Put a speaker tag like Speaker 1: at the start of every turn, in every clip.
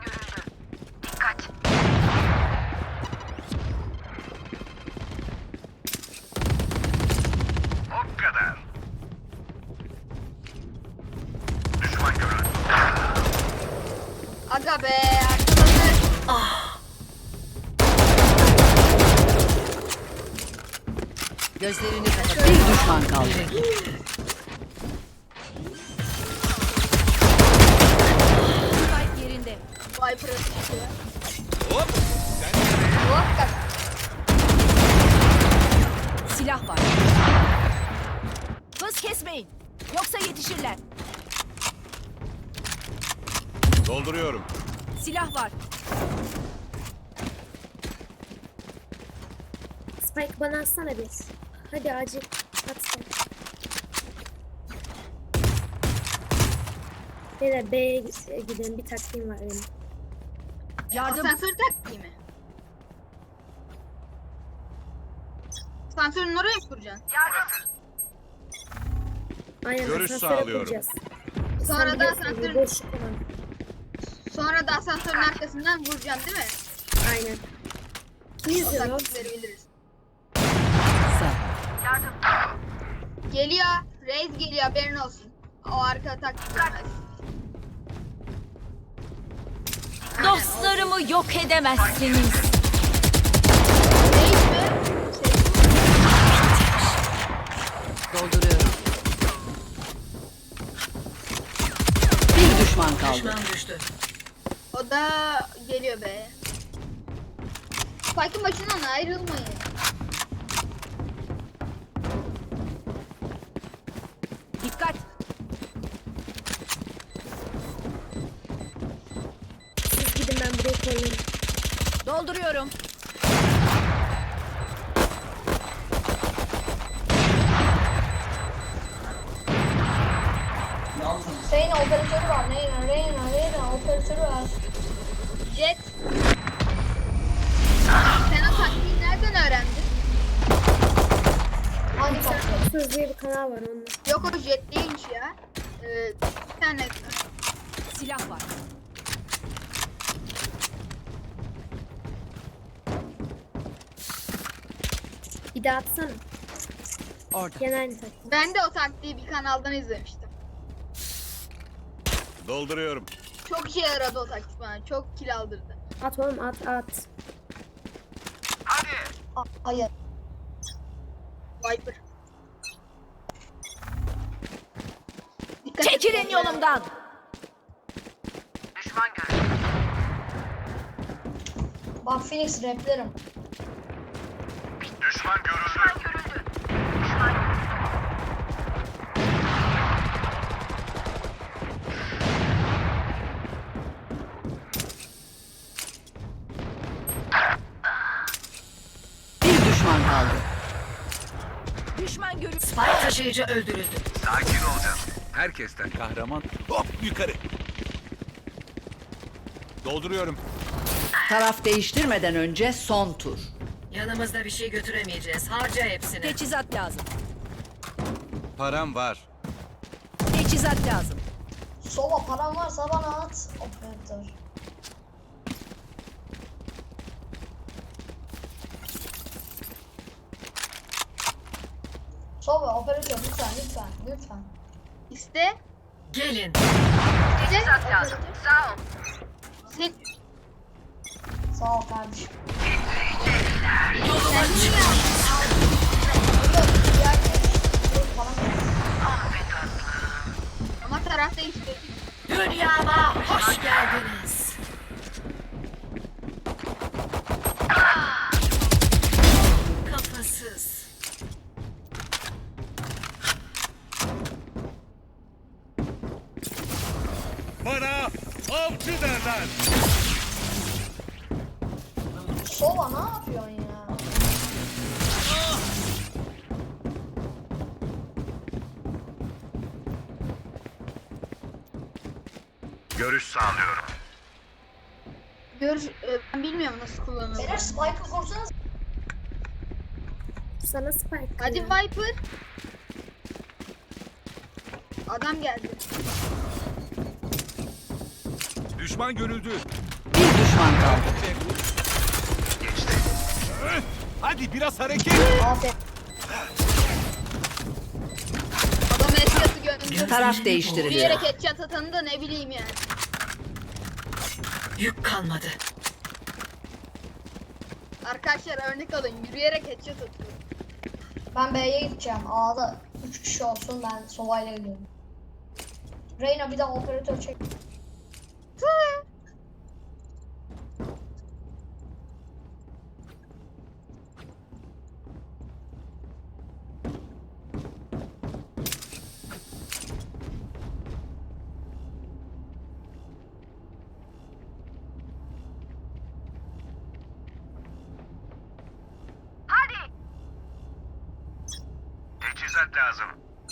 Speaker 1: O kadar. Düşman görüldü.
Speaker 2: Aga be arkadaşlar.
Speaker 3: Gözlerini kapat. Bir düşman kaldı. Spike yerinde.
Speaker 2: Viper'a çıkıyor.
Speaker 1: Hop. Sen nereye?
Speaker 2: Hop bak.
Speaker 3: Silah var. Hız kesmeyin. Yoksa yetişirler.
Speaker 1: Dolduruyorum.
Speaker 3: Silah var.
Speaker 4: Spike bana atsana bir. Hadi acil. At sen. Beyler B'ye gidelim. Bir taktiğim var benim.
Speaker 3: Yardım.
Speaker 2: Asansör taktiği mi? Asansörün oraya mı kuracaksın?
Speaker 4: Aynen
Speaker 1: Görüş
Speaker 4: asansöre
Speaker 1: sağlıyorum.
Speaker 4: kuracağız.
Speaker 2: Sonra
Speaker 4: Sen
Speaker 2: da
Speaker 4: biliyorsun,
Speaker 2: asansörün,
Speaker 4: boşluk olan.
Speaker 2: sonra da asansörün arkasından vuracaksın değil mi?
Speaker 4: Aynen.
Speaker 2: O
Speaker 4: Yüzüyor.
Speaker 2: taktikleri biliriz.
Speaker 3: Sen.
Speaker 2: Geliyor. Reis geliyor haberin olsun. O arka taktik bilmez. Aynen,
Speaker 3: Dostlarımı yok edemezsiniz.
Speaker 2: o Reis mi?
Speaker 3: Dolduruyorum. Bir düşman kaldı.
Speaker 2: O da geliyor be. Spike'ın başından ayrılmayın.
Speaker 3: Dikkat.
Speaker 4: Siz gidin ben burayı koyayım.
Speaker 3: Dolduruyorum.
Speaker 2: Reyna operatörü var. Reyna operatörü var. Jet. Sen o taktiği nereden öğrendin? Hangi taktik?
Speaker 4: Söz diye bir kanal var onun.
Speaker 2: Yok o jet değilmiş ya. Bir tane
Speaker 3: Silah var.
Speaker 4: Bir daha atsana.
Speaker 3: Orada.
Speaker 4: Genel bir taktik.
Speaker 2: ben de o taktiği bir kanaldan izlemiştim.
Speaker 1: Dolduruyorum.
Speaker 2: Çok işe yaradı o taktik bana. Çok kill aldırdı.
Speaker 4: At oğlum at.
Speaker 1: Hadi.
Speaker 2: Hayır. Viper. Dikkat et.
Speaker 3: Çekilin yolumdan.
Speaker 1: Düşman görüldü.
Speaker 2: Bak Phoenix replerim.
Speaker 1: Düşman görüldü.
Speaker 3: Bir düşman kaldı. Düşman görüldü. Spike taşıyıcı öldürüldü.
Speaker 1: Sakin olacağız. Herkesten kahraman. Hop yukarı. Dolduruyorum.
Speaker 3: Taraf değiştirmeden önce son tur.
Speaker 5: Yanımızda bir şey götüremeyeceğiz. Harca hepsini.
Speaker 3: Teçhizat lazım.
Speaker 1: Param var.
Speaker 3: Teçhizat lazım.
Speaker 2: Sova paran varsa bana at. Operatör.
Speaker 6: Sova operatör lütfen.
Speaker 2: İste.
Speaker 5: Gelin.
Speaker 2: Teçhizat lazım. Sağ ol. Sen
Speaker 6: Sağ ol kardeşim.
Speaker 2: ama taraf değişti.
Speaker 5: Dünyama hoş geldiniz. Kafasız.
Speaker 1: Bana avcı derler.
Speaker 6: Sova ne yapıyorsun ya?
Speaker 1: Görüş sağlıyorum.
Speaker 2: Ben bilmiyorum nasıl kullanılır.
Speaker 6: Beyler Spike'ı kursanız.
Speaker 4: Sana Spike.
Speaker 2: Hadi
Speaker 4: ya.
Speaker 2: Viper. Adam geldi.
Speaker 1: Düşman görüldü.
Speaker 3: Bir düşman kaldı.
Speaker 1: Hadi biraz hareket.
Speaker 6: Aferin.
Speaker 2: Adam headshot'ı gördüm.
Speaker 3: Taraf değiştiriliyor.
Speaker 2: Yürüyerek headshot atanı da ne bileyim yani.
Speaker 5: Yük kalmadı.
Speaker 2: Arkadaşlar örnek alın. Yürüyerek headshot atıyor.
Speaker 6: Ben B'ye gideceğim. A'da 3 kişi olsun, ben Sova'yla gidiyorum. Reyna bir de operatör çek.
Speaker 1: Teçhizat lazım.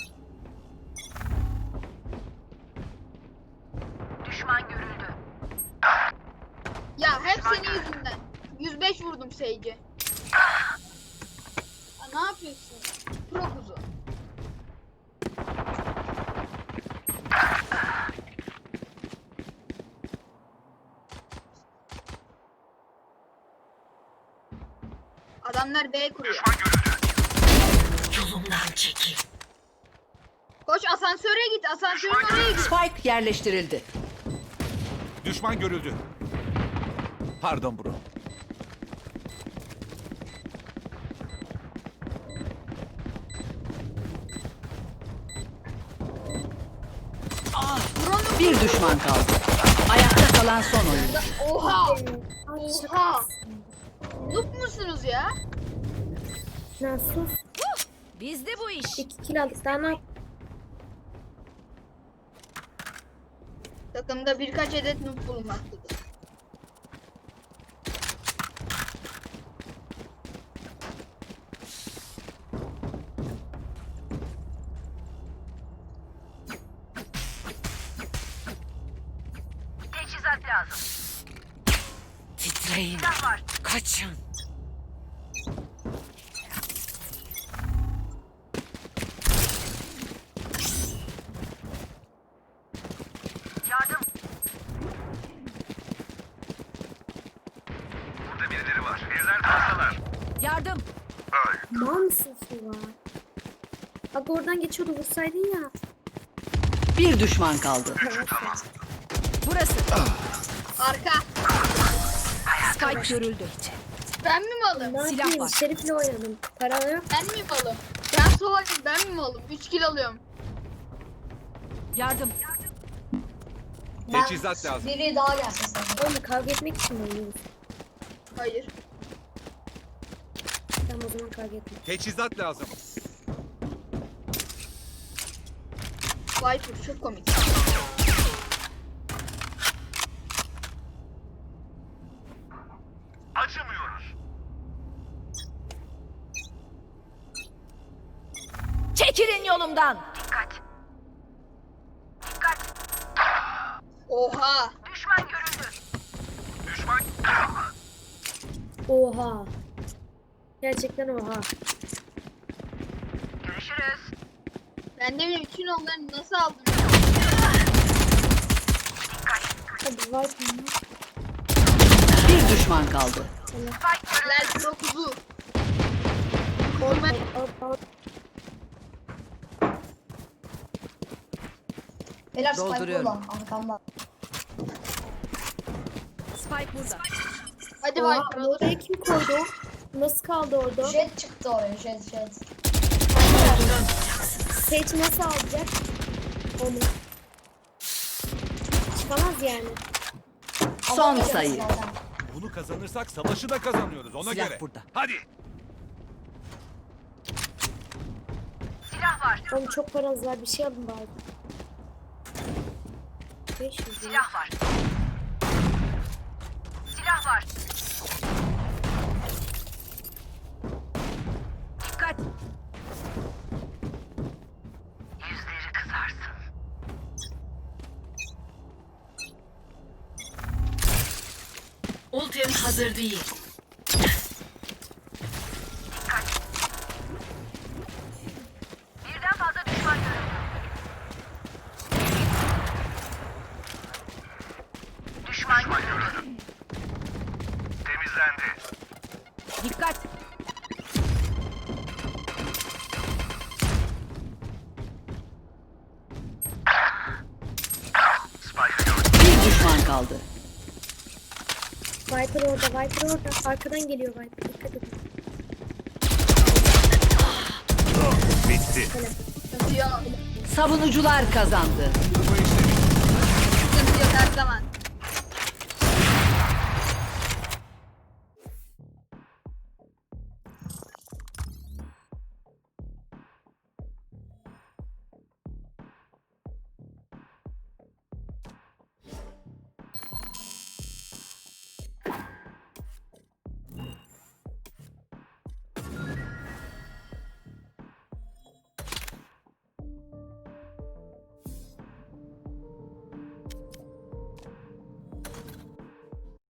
Speaker 5: Düşman görüldü.
Speaker 2: Ya hep senin yüzünden. 105 vurdum Sage'e. Ya ne yapıyorsun? Pro kuzu. Adamlar B kuruyor.
Speaker 5: Yolumdan çekil.
Speaker 2: Koş asansöre git. Asansörün oraya git.
Speaker 3: Spike yerleştirildi.
Speaker 1: Düşman görüldü. Pardon bro.
Speaker 3: Bir düşman kaldı. Ayakta kalan son oyuncu.
Speaker 2: Oha!
Speaker 4: Ay
Speaker 2: Oha!
Speaker 4: şaka.
Speaker 2: Noob musunuz ya?
Speaker 4: Lan sus.
Speaker 5: Bizde bu iş.
Speaker 4: 2 kill aldık. Daha ne yap?
Speaker 2: Takımda birkaç adet noob bulunmaktadır.
Speaker 5: Teçhizat lazım. Titreyin. Kaçın. Yardım.
Speaker 1: Burada birileri var. Birden fazlalar.
Speaker 5: Yardım.
Speaker 4: Mal mısın Suva? Bak oradan geçiyordu, vursaydın ya.
Speaker 3: Bir düşman kaldı.
Speaker 5: Burası.
Speaker 2: Arka.
Speaker 5: Spike görüldü.
Speaker 2: Ben mi malım?
Speaker 4: Ne
Speaker 5: Silah
Speaker 4: yapayım?
Speaker 5: var.
Speaker 4: Şerif'le oynadım. Para yok.
Speaker 2: Ben mi malım? Ben soğuk, ben mi malım? 3 kill alıyorum.
Speaker 5: Yardım.
Speaker 6: Ben
Speaker 1: Teçhizat lazım.
Speaker 6: biri daha gelsin sana.
Speaker 4: Oğlum kavga etmek için mi oynuyoruz?
Speaker 2: Hayır.
Speaker 4: Tamam o zaman kavga etme.
Speaker 1: Teçhizat lazım.
Speaker 2: Viper çok komik.
Speaker 1: Acımıyoruz.
Speaker 5: Çekilin yolumdan.
Speaker 2: Oha!
Speaker 1: Düşman.
Speaker 4: Oha. Gerçekten oha.
Speaker 2: Ben de bile bütün onları nasıl aldım?
Speaker 4: Hadi var mı?
Speaker 3: Bir düşman kaldı.
Speaker 2: Helal pro kuzu. Koruma.
Speaker 6: Beyler Spike
Speaker 3: Dolduruyorum.
Speaker 6: burada, arkamda.
Speaker 5: Spike burada.
Speaker 2: Hadi
Speaker 4: Oha,
Speaker 2: Viper alır.
Speaker 4: oraya kim koydu? Nasıl kaldı orada?
Speaker 6: Jet çıktı oraya, jet.
Speaker 4: Sage nasıl alacak? Onu. Çıkamaz yani.
Speaker 3: Son
Speaker 6: Alamayacağız
Speaker 3: sayı.
Speaker 6: zaten.
Speaker 1: Bunu kazanırsak savaşı da kazanıyoruz ona
Speaker 3: Silah
Speaker 1: göre.
Speaker 3: burada.
Speaker 1: Hadi.
Speaker 4: Oğlum çok paranız var, bir şey alın bari. 500 lira.
Speaker 5: var. Silah var. Dikkat. Yüzleri kızarsın. Ultim hazır değil. Birden fazla düşman görüldü. Düşman görüldü. Dikkat.
Speaker 3: Bir düşman kaldı.
Speaker 4: Viper orada, Viper orada. Arkadan geliyor Viper. Dikkat edin.
Speaker 7: Bitti.
Speaker 2: Sıkıntı yok.
Speaker 3: Savunucular kazandı.
Speaker 2: Sıkıntı yok her zaman.